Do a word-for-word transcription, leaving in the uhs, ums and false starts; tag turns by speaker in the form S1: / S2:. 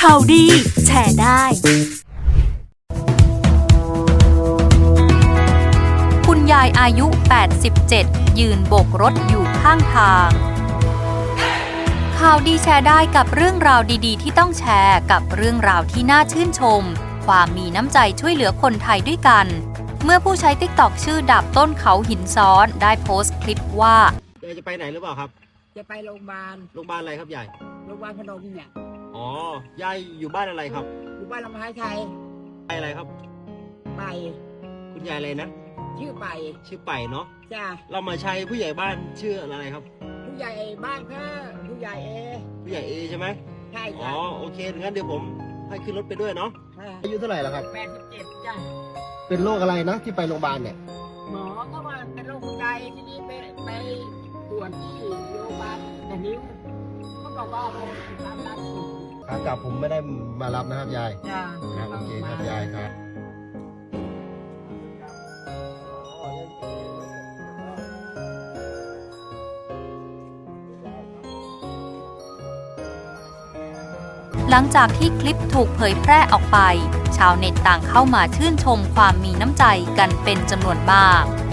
S1: ข่าวดีแชร์ได้คุณยายอายุ แปดสิบเจ็ด ยืนโบกรถอยู่ข้างทางข่าวดีแชร์ได้กับเรื่องราวดีๆที่ต้องแชร์กับเรื่องราวที่น่าชื่นชมความมีน้ำใจช่วยเหลือคนไทยด้วยกันเมื่อผู้ใช้ ติ๊กต็อก ชื่อดาบต้นเขาหินซ้อนได้โพสต์คลิปว่าย
S2: ายจะไปไหนหรือเปล่าครับ
S3: จะไปโรงพยาบาล
S2: โรงพยาบาลอะไรครับยาย
S3: โรงพยาบาลพนมเนี่ย
S2: อ๋อยายอยู่บ้านอะไรครับ
S3: อยู่บ้านลำไม้ไทย
S2: ไปอะไรครับ
S3: ไป
S2: คุณยายอะไรนะ
S3: ชื่อไป
S2: ชื่อไปเนาะ
S3: จ้า
S2: เรามาใช้ผู้ใหญ่บ้านชื่ออะไรครับ
S3: ผู้ใหญ่บ้านค่ะผู้ใหญ่เอ
S2: ผู้ใหญ่เอใช่ไหม
S3: ใช่
S2: อ๋อโอเคงั้นเดี๋ยวผมให้ขึ้นรถไปด้วยเนาะ
S4: อายุเท่าไหร่แล้วครับ
S3: แปดสิบเจ็ดจ้า
S4: เป็นโรคอะไรนะที่ไปโรงพยาบาลเนี่ย
S3: หมอก็ว่าเป็นโรคหัวใจที่นี่ไปไปตรวจที่โรงพยาบาลแต่นิ้วเขาบอกว่าเป็นความดันสูง
S4: ขากลับผมไม่ได้มารับนะครับยาย
S3: จ้า
S4: ครับโอเคครับยายครับ
S1: หลังจากที่คลิปถูกเผยแพร่ออกไปชาวเน็ตต่างเข้ามาชื่นชมความมีน้ำใจกันเป็นจำนวนมาก